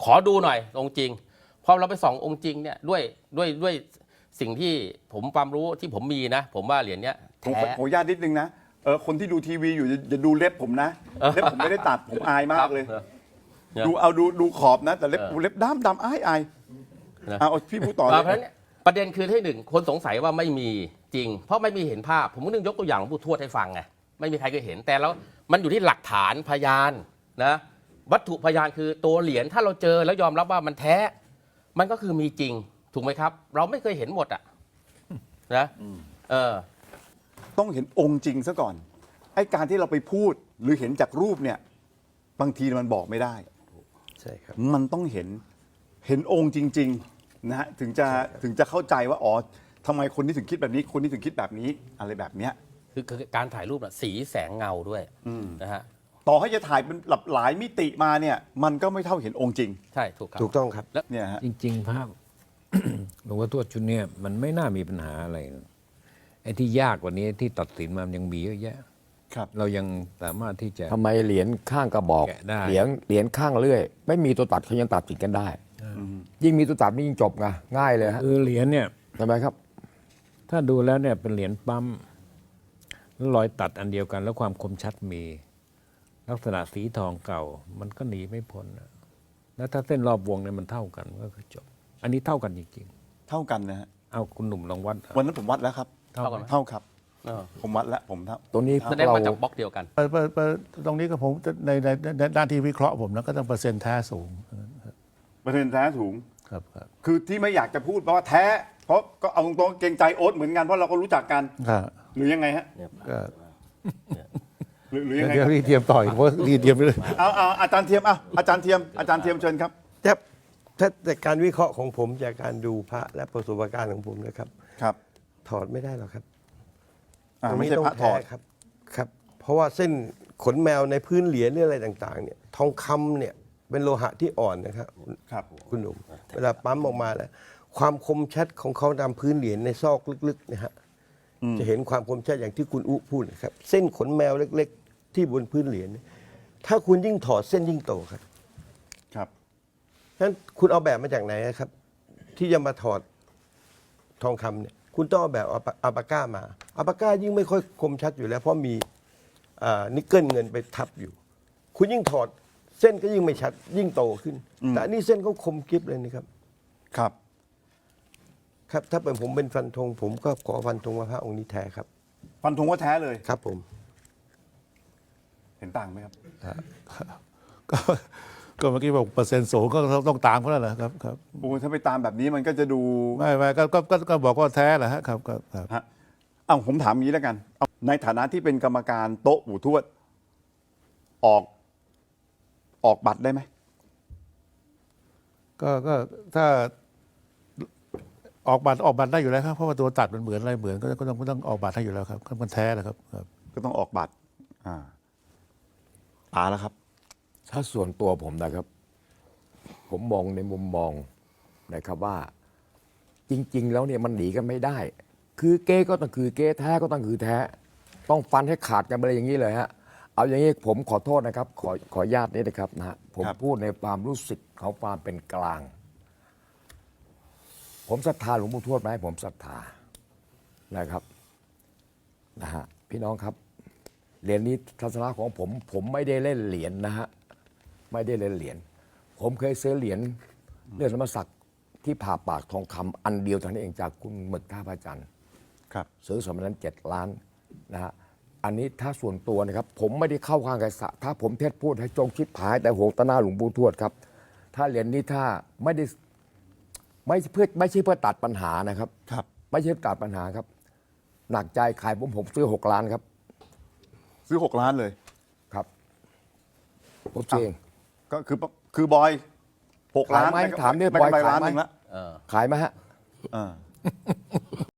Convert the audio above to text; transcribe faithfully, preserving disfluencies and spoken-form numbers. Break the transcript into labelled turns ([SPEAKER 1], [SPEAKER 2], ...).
[SPEAKER 1] ขอดูหน่อยองค์จริงพอเราไปส่ององค์จริงเนี่ยด้วยด้วยด้วยสิ่งที่ผมความรู้ที่ผมมีนะผมว่าเหรียญเนี้ย
[SPEAKER 2] ผม
[SPEAKER 1] แท้
[SPEAKER 2] ขออนุญาตนิดนึงนะเออคนที่ดูทีวีอยู่อย่าอย่าดูเล็บผมนะเล็บผมไม่ได้ตัดผมอายมากเลย ดูเอาดูดูขอบนะ แต่เล็บเล็บดำดำอายอายเอาพี่พูดต่อ
[SPEAKER 1] เพ
[SPEAKER 2] เล
[SPEAKER 1] ราะฉะนั้น
[SPEAKER 2] ย
[SPEAKER 1] เนี่ยประเด็นคือที่หนึ่งคนสงสัยว่าไม่มีจริง เพราะไม่มีเห็นภาพ ผมก็นึกยกตัวอย่างหลวงปู่ทวดให้ฟังไงไม่มีใครเคยเห็นแต่แล้วมันอยู่ที่หลักฐานพยานนะวัตถุพยานคือตัวเหรียญถ้าเราเจอแล้วยอมรับว่ามันแท้ มันก็คือมีจริงถูกไหมครับ เราไม่เคยเห็นหมดอ่ะนะเออ
[SPEAKER 2] ต้องเห็นองค์จริงซะก่อนไอ้การที่เราไปพูดหรือเห็นจากรูปเนี่ยบางทีมันบอกไม่ได้
[SPEAKER 3] ใช่ครับ
[SPEAKER 2] มันต้องเห็นเห็นองค์จริงๆนะฮะถึงจะถึงจะเข้าใจว่าอ๋อทำไมคนนี้ถึงคิดแบบนี้คนนี้ถึงคิดแบบนี้อะไรแบบเนี้ย
[SPEAKER 1] คือคือการถ่ายรูปอะสีแสงเงาด้วยนะฮะ
[SPEAKER 2] ต่อให้จะถ่ายเป็นหลากหลายมิติมาเนี่ยมันก็ไม่เท่าเห็นองค์จริง
[SPEAKER 1] ใช่ถูกครับ
[SPEAKER 3] ถูกต้องครับ
[SPEAKER 2] เนี่ยฮะ
[SPEAKER 4] จริง ๆ ภาพ หลวงพ่อทวดชุดเนี้ยมันไม่น่ามีปัญหาอะไรนะไอ้ที่ยากกว่านี้ที่ตัดสินมามันยังมีเยอะแยะ
[SPEAKER 2] ครับ
[SPEAKER 4] เรายังสามารถที่จะ
[SPEAKER 5] ทำไมเหรียญข้างกระบอก
[SPEAKER 4] แกะได้
[SPEAKER 5] เหรียญเหรียญข้างเลื่อย ไม่มีตัวตัดเขายังตัดสินกันได้ ยิ่งมีตัวตัดนี่ยิ่งจบไงง่ายเลยฮะ
[SPEAKER 4] คือเหรียญเนี่ย
[SPEAKER 5] ทำไมครับ
[SPEAKER 4] ถ้าดูแล้วเนี่ยเป็นเหรียญปั๊มแล้วรอยตัดอันเดียวกัน แล้วความคมชัดมี ลักษณะสีทองเก่า มันก็หนีไม่พ้นนะแล้วถ้าเส้นรอบวงเนี่ยมันเท่ากันก็คือจบ อันนี้เท่ากันจริง
[SPEAKER 2] เท่ากันนะฮะ
[SPEAKER 4] ๆ เอาคุณหนุ่มลองวัด
[SPEAKER 2] วันนั้นผมวัดแล้วครับ
[SPEAKER 1] เท่ากันไหม
[SPEAKER 2] เท่าครับ
[SPEAKER 1] เออ
[SPEAKER 2] ผมวัดแล้วผมเท่า
[SPEAKER 5] ตัวนี้พ
[SPEAKER 1] แส
[SPEAKER 5] วก
[SPEAKER 1] ดง
[SPEAKER 5] เรา
[SPEAKER 1] มาจากบล็อกเดียวกัน
[SPEAKER 6] เปิดเปิดเปิดตรงนี้ก็ผมในในในด้านที่วิเคราะห์ผมนะก็ต้องเปอร์เซ็นต์แท้สูง
[SPEAKER 2] เปอร์เซ็นต์แท้สูง
[SPEAKER 6] ครับครับ
[SPEAKER 2] คือที่ไม่อยากจะพูดเพราะว่าแท้ เพราะก็เอาตรงๆเกรงใจโอ๊ตเหมือนกันเพราะเราก็รู้จักกัน
[SPEAKER 6] ครับ
[SPEAKER 2] หรือยังไงฮะ
[SPEAKER 6] ก็
[SPEAKER 2] หรือหรือยังไง
[SPEAKER 6] เดี๋ยวรีเทียมต่อยเพราะรีเทียมไปเลย
[SPEAKER 2] เอาเอาอาจารย์เทียมเอาอาจารย์เทียมอาจารย์เทียมเชิญครับ
[SPEAKER 3] แต่ถ้าแต่การวิเคราะห์ของผมจากการดูพระและประสบการณ์ของผมนะครับ
[SPEAKER 2] ครับ
[SPEAKER 3] ถอดไม่ได้หรอกครับ
[SPEAKER 2] อ่า
[SPEAKER 3] ตรง
[SPEAKER 2] ไม่
[SPEAKER 3] นี้
[SPEAKER 2] ใช่
[SPEAKER 3] ต้อง
[SPEAKER 2] พระถ
[SPEAKER 3] แท้
[SPEAKER 2] อด
[SPEAKER 3] ครับครับ เพราะว่าเส้นขนแมวในพื้นเหรียญหรืออะไรต่าง ๆ เนี่ย ทองคำเนี่ยเป็นโลหะที่อ่อนนะครับ
[SPEAKER 2] ครับ
[SPEAKER 3] คุณหนุ่มเวลาปั๊มออกมาแล้ว ความคมชัดของเขาตามพื้นเหรียญในซอกลึกๆนะฮะจะเห็นความคมชัดอย่างที่คุณอุพูดนะครับ เส้นขนแมวเล็ก ๆ ที่บนพื้นเหรียญเนี่ยถ้าคุณยิ่งถอดเส้นยิ่งโตครับ
[SPEAKER 2] ครับ
[SPEAKER 3] ฉะนั้นคุณเอาแบบมาจากไหนครับ ที่จะมาถอดทองคำเนี่ยคุณต้องเอาแบบอัลปาอัลปาก้ามาอัลปาก้ายิ่งไม่ค่อยคมชัดอยู่แล้ว เพราะมีอ่านิกเกิลเงินไปทับอยู่ คุณยิ่งถอดเส้นก็ยิ่งไม่ชัด ยิ่งโตขึ้น แต่อันนี้เส้นเขาคมกริบเลยนะครับ
[SPEAKER 2] ครับ
[SPEAKER 3] ครับ ถ้าเป็นผมเป็นฟันธงผมก็ขอฟันธงว่าพระองค์นี้แท้ครับ
[SPEAKER 2] ฟันธงว่าแท้เลย
[SPEAKER 3] ครับผม
[SPEAKER 2] เห็นต่างไหมครับ
[SPEAKER 6] ก็ก็เมื่อกี้บอกเปอร์เซ็นต์สูงก็ต้องตามเขาแล้วแหละครับครับ
[SPEAKER 2] โอ้ถ้าไปตามแบบนี้มันก็จะดู
[SPEAKER 6] ไม่ไม่ก็ก็ก็ก็บอกว่าแท้แหละฮะครับครับครับ
[SPEAKER 2] ฮะเอาผมถามอย่างนี้แล้วกันเอาในฐานะที่เป็นกรรมการโต๊ะปู่ทวด ออก ออกบัตรได้ไหม
[SPEAKER 6] ก็ก็ถ้าออกบัตรออกบัตรได้อยู่แล้วครับเพราะว่าตัวตัดมันเหมือนอะไรเหมือนก็ก็ต้องก็ต้องออกบัตรให้อยู่แล้วครับมันแท้แหละครับครับ
[SPEAKER 2] ก็ต้องออกบัตร อ่าตาแล้วครับ
[SPEAKER 5] ถ้าส่วนตัวผมนะครับ ผมมองในมุมมองนะครับว่า จริง ๆ แล้วเนี่ยมันหนีกันไม่ได้ คือเก้ก็ต้องคือเก้แท้ก็ต้องคือแท้ ต้องฟันให้ขาดกันไปเลยอย่างนี้เลยฮะเอาอย่างนี้ผมขอโทษนะครับ ขอขออนุญาตนี้นะครับนะฮะผม
[SPEAKER 2] ครับ
[SPEAKER 5] พูดในความรู้สึกของความเป็นกลาง ผมศรัทธาหลวงปู่ทวดไหมผมศรัทธานะครับนะฮะพี่น้องครับ เหรียญนี้ทัศนะของผม ผมไม่ได้เล่นเหรียญนะฮะไม่ได้เล่นเหรียญผมเคยซื้อเหรียญเลือดธรรมศักดิ์ที่ผ่าปากทองคำอันเดียวเท่านั้นเองจากคุณหมึกท่าพระจันทร์
[SPEAKER 2] ครับ
[SPEAKER 5] ซื้อสมัยนั้นเจ็ดล้านนะฮะอันนี้ถ้าส่วนตัวนะครับ ผมไม่ได้เข้าข้างใครสะถ้าผมเทศพูดให้จงชิดผายแต่โหงตะหน้าหลวงปู่ทวดครับ ถ้าเหรียญนี้ถ้าไม่ได้ไม่เพื่อไม่ใช่เพื่อตัดปัญหานะครับ
[SPEAKER 2] ครับ
[SPEAKER 5] ไม่ใช่ตัดปัญหาครับ หนักใจขายผมผมซื้อหกล้านครับ
[SPEAKER 2] ซื้อหกล้านเลย
[SPEAKER 5] ครับผมซื้อเอง
[SPEAKER 2] ก็คือคือบอยหกล้าน
[SPEAKER 5] ขายไหม
[SPEAKER 2] ด้
[SPEAKER 5] ถามเนี่ย
[SPEAKER 2] ได้
[SPEAKER 5] บอย
[SPEAKER 2] กำไร
[SPEAKER 5] ขาย
[SPEAKER 2] ล้าน
[SPEAKER 5] ไหม
[SPEAKER 2] หนึ่งละ
[SPEAKER 1] เออ
[SPEAKER 5] ขายไหมฮะ
[SPEAKER 2] อ่า